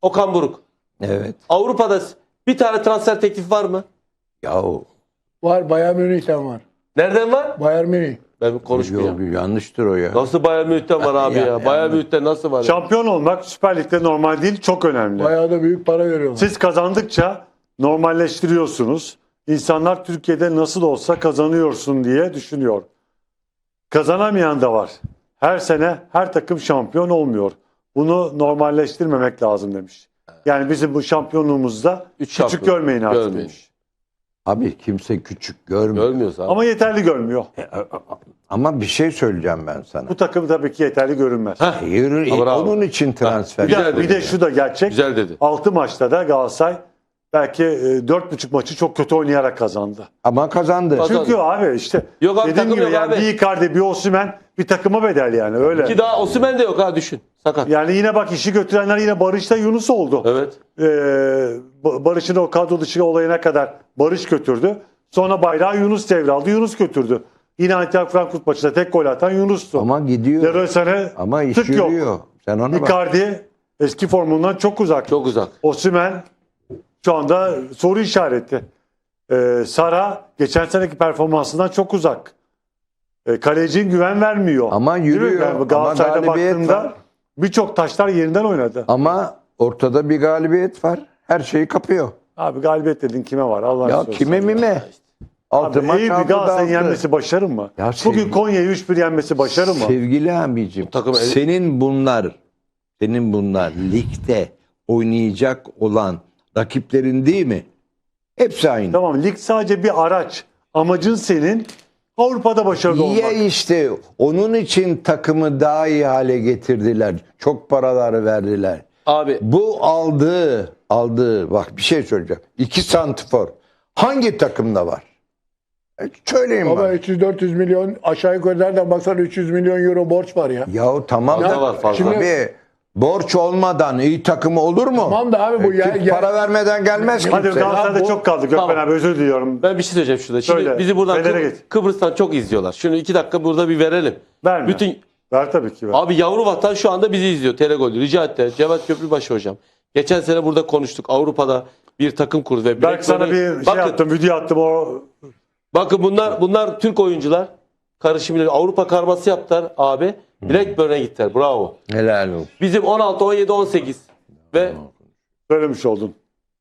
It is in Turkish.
Okan Buruk. Evet. Avrupa'da bir tane transfer teklifi var mı? Yahu. Var, Bayern Münih'ten var. Nereden var? Bayern Münih. Ben konuşmayacağım. Yok, yanlıştır o ya. Nasıl Bayern Münih'ten var abi ya? Bayern Münih'ten nasıl var ya? Şampiyon olmak Süper Lig'de normal değil, çok önemli. Bayağı da büyük para veriyorlar. Siz kazandıkça normalleştiriyorsunuz. İnsanlar Türkiye'de nasıl olsa kazanıyorsun diye düşünüyor. Kazanamayan da var. Her sene her takım şampiyon olmuyor. Bunu normalleştirmemek lazım demiş. Yani bizim bu şampiyonluğumuzda küçük şampiyon. görmeyin artık Görmeyin. demiş. Abi kimse küçük görmüyor. Görmüyoruz abi. Ama yeterli görmüyor. Ama bir şey söyleyeceğim ben sana. Bu takım tabii ki yeterli görünmez. Bravo. Onun için transfer. Bir de, Güzel bir dedi de ya. şu da gerçek. Güzel dedi. 6 maçta da Galatasaray belki 4,5 maçı çok kötü oynayarak kazandı. Ama kazandı. Kazandı. Çünkü abi işte Yok abi, dediğim takım gibi yok yani abi. bir Icardi bir Osimhen bir takıma bedel yani öyle. Ki daha Osimhen de yok ha, düşün. Sakat. Yani yine bak işi götürenler yine Barış'ta Yunus oldu. Evet. Barış'ın o kadro dışı olayına kadar Barış götürdü. Sonra bayrağı Yunus devraldı. Yunus götürdü. Yine Eintracht Frankfurt maçında tek gol atan Yunus'tu. Ama gidiyor. Leroy Sané Ama iş tık yok. yürüyor. Sen ona bak. Icardi eski formundan çok uzak. Çok uzak. Osimhen şu anda soru işareti. Sara geçen seneki performansından çok uzak. Kalecinin güven vermiyor. Ama Değil mi? yürüyor. Yani Ama Galatasaray'da galibiyet baktığımda var. birçok taşlar yerinden oynadı. Ama ortada bir galibiyet var. Her şeyi kapıyor. Abi galibiyet dedin kime var? Allah'ın Ya seversen kime ya. mime? Altı Abi maç Eyüp'ü aldı Galatasaray'ın dağıttı. yenmesi başarı mı? Ya Bugün sevgili- Konya'yı 3-1 yenmesi başarı mı? Sevgili abicim, takım- senin bunlar ligde oynayacak olan rakiplerin değil mi? Hepsi aynı. Tamam, lig sadece bir araç. Amacın senin Avrupa'da başarılı olmak. Ya işte onun için takımı daha iyi hale getirdiler. Çok paraları verdiler. Abi Bu aldığı bak bir şey söyleyeceğim. 2 santifor hangi takımda var? Söyleyin Baba bana. 300-400 milyon aşağı yukarı nereden baksan 300 milyon euro borç var ya. Yahu tamam Fazla da var, fazla. abi borç olmadan iyi takımı olur mu? Tamam da abi bu Para vermeden gelmez Hadi kimse. Galatasaray'da Ya bu- çok kaldı. Gökmen Tamam. abi özür diliyorum. ben bir şey söyleyeceğim şurada. Şimdi Söyle. bizi buradan Fener'e git. Kıbrıs'tan çok izliyorlar. Şunu 2 dakika burada bir verelim. Verme. Bütün Ver tabii ki ver. abi yavru vatan şu anda bizi izliyor. Telegol rica etti. Cevat Köprübaşı hocam. Geçen sene burada konuştuk. Avrupa'da bir takım kurdu ve Belki sana bir şey bakın, attım, video attım o. bakın bunlar Türk oyuncular. Karışımıyla Avrupa karması yaptılar abi. Blackburn'e gittiler. Bravo. Helal olsun. Bizim 16, 17, 18 ve Söylemiş oldun.